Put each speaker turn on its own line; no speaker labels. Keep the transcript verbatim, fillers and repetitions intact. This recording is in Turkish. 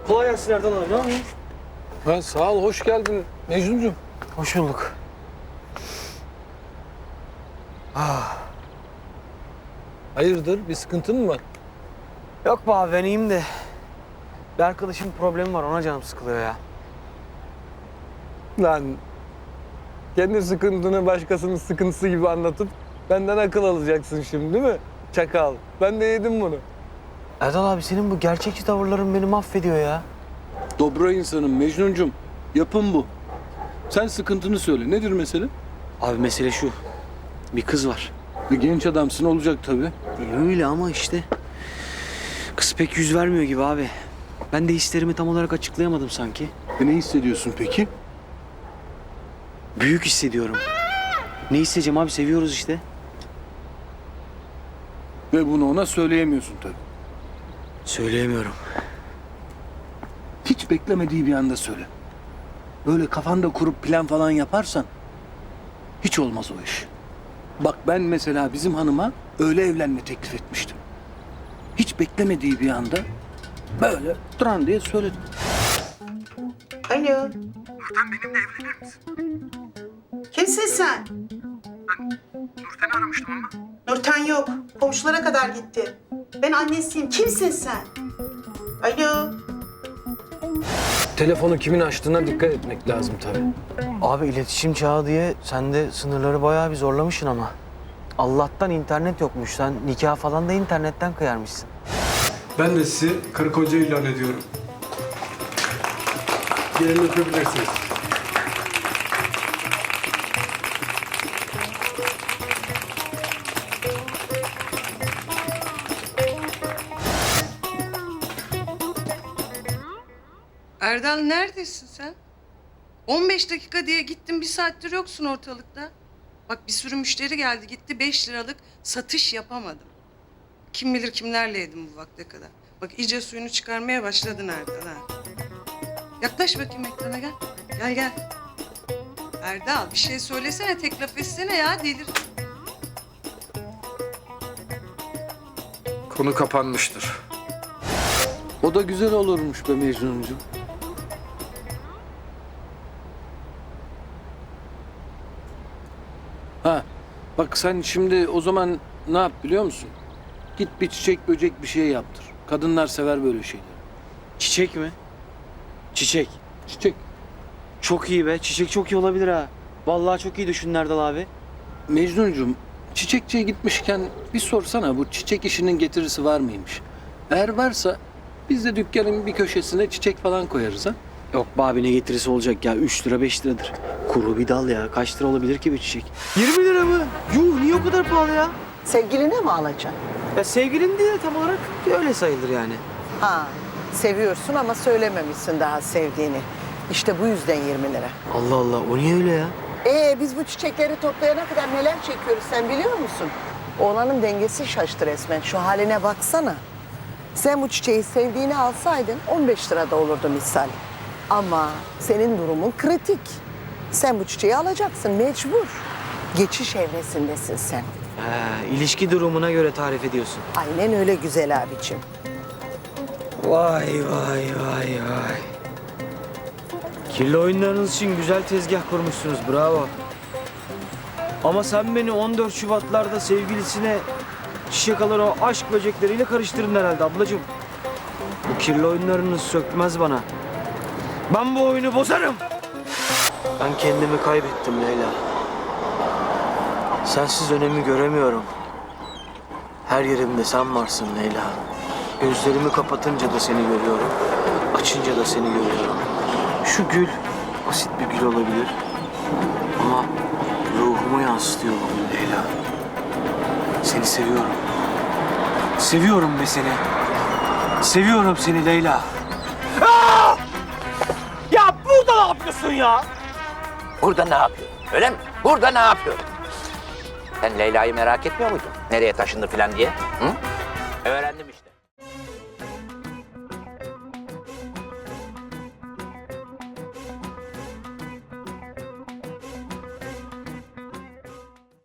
Kolay gelsin Erdal abi, ne yapıyorsun?
Ha, sağ ol, hoş geldin Mecnuncuğum.
Hoş bulduk. Ah.
Hayırdır, bir sıkıntın mı var?
Yok be abi, ben iyiyim de bir arkadaşımın problemi var, ona canım sıkılıyor ya.
Lan, kendi sıkıntını başkasının sıkıntısı gibi anlatıp benden akıl alacaksın şimdi değil mi? Çakal, ben de yedim bunu.
Erdal abi, senin bu gerçekçi tavırların beni mahvediyor ya.
Dobra insanım Mecnun'cum. Yapım bu. Sen sıkıntını söyle. Nedir mesele?
Abi mesele şu, bir kız var.
Bir genç adamsın, olacak tabii.
E öyle ama işte kız pek yüz vermiyor gibi abi. Ben de hislerimi tam olarak açıklayamadım sanki.
E ne hissediyorsun peki?
Büyük hissediyorum. Ne hissedeceğim abi, seviyoruz işte.
Ve bunu ona söyleyemiyorsun tabii.
Söyleyemiyorum.
Hiç beklemediği bir anda söyle. Böyle kafanda kurup plan falan yaparsan hiç olmaz o iş. Bak ben mesela bizim hanıma öyle evlenme teklif etmiştim. Hiç beklemediği bir anda böyle duran diye söyledim.
Alo.
Nurten benimle evlenir misin?
Kimsin sen?
Ben Nurten'i aramıştım ama.
Nurten yok. Komşulara kadar gitti. Ben annesiyim. Kimsin sen? Alo.
Telefonu kimin açtığına dikkat etmek lazım tabii.
Abi iletişim çağı diye sen de sınırları bayağı bir zorlamışsın ama. Allah'tan internet yokmuş. Sen nikah falan da internetten kıyarmışsın.
Ben de sizi karı koca ilan ediyorum. Gelin öpebilirsiniz.
Erdal, neredesin sen? on beş dakika diye gittin, bir saattir yoksun ortalıkta. Bak, bir sürü müşteri geldi gitti, beş liralık satış yapamadım. Kim bilir kimlerle yedim bu vakte kadar. Bak iyice suyunu çıkarmaya başladın Erdal ha. Yaklaş bakayım ekrana, gel. Gel gel. Erdal, bir şey söylesene, tek laf etsene ya, delir.
Konu kapanmıştır.
O da güzel olurmuş be Mecnun'cum. Ha, bak sen şimdi o zaman ne yap biliyor musun? Git bir çiçek böcek bir şey yaptır. Kadınlar sever böyle şeyleri.
Çiçek mi? Çiçek.
Çiçek.
Çok iyi be. Çiçek çok iyi olabilir ha. Vallahi çok iyi düşündün Erdal abi.
Mecnun'cum, çiçekçiye gitmişken bir sorsana bu çiçek işinin getirisi var mıymış? Eğer varsa biz de dükkanın bir köşesine çiçek falan koyarız ha.
Yok be abi, ne getirisi olacak ya? Üç lira beş liradır. Kuru bir dal ya. Kaç lira olabilir ki bir çiçek? Yirmi lira mı? Yuh, niye o kadar pahalı ya?
Sevgiline mi alacaksın?
Ya sevgilin değil de tam olarak öyle sayılır yani.
Ha, seviyorsun ama söylememişsin daha sevdiğini. İşte bu yüzden yirmi lira.
Allah Allah, o niye öyle ya?
Ee biz bu çiçekleri toplayana kadar neler çekiyoruz sen biliyor musun? Oğlanın dengesi şaştı resmen. Şu haline baksana. Sen bu çiçeği sevdiğini alsaydın on beş lirada olurdu misal. Ama senin durumun kritik. Sen bu çiçeği alacaksın mecbur. Geçiş evresindesin sen.
He, ilişki durumuna göre tarif ediyorsun.
Aynen öyle güzel abicim.
Vay vay vay vay. Kirli oyunlarınız için güzel tezgah kurmuşsunuz, bravo. Ama sen beni on dört Şubatlarda sevgilisine çiçek alan o aşk böcekleriyle karıştırdın herhalde ablacığım. Bu kirli oyunlarınız sökmez bana. Ben bu oyunu bozarım. Ben kendimi kaybettim Leyla. Sensiz önemi göremiyorum. Her yerimde sen varsın Leyla. Gözlerimi kapatınca da seni görüyorum. Açınca da seni görüyorum. Şu gül basit bir gül olabilir. Ama ruhumu yansıtıyor bu gül Leyla. Seni seviyorum. Seviyorum be seni. Seviyorum seni Leyla. Aa! Ya burada ne yapıyorsun ya?
Burada ne yapıyor? Öyle mi? Burada ne yapıyor? Sen Leyla'yı merak etmiyor muydun? Nereye taşındı falan diye? Hı? Öğrendim işte.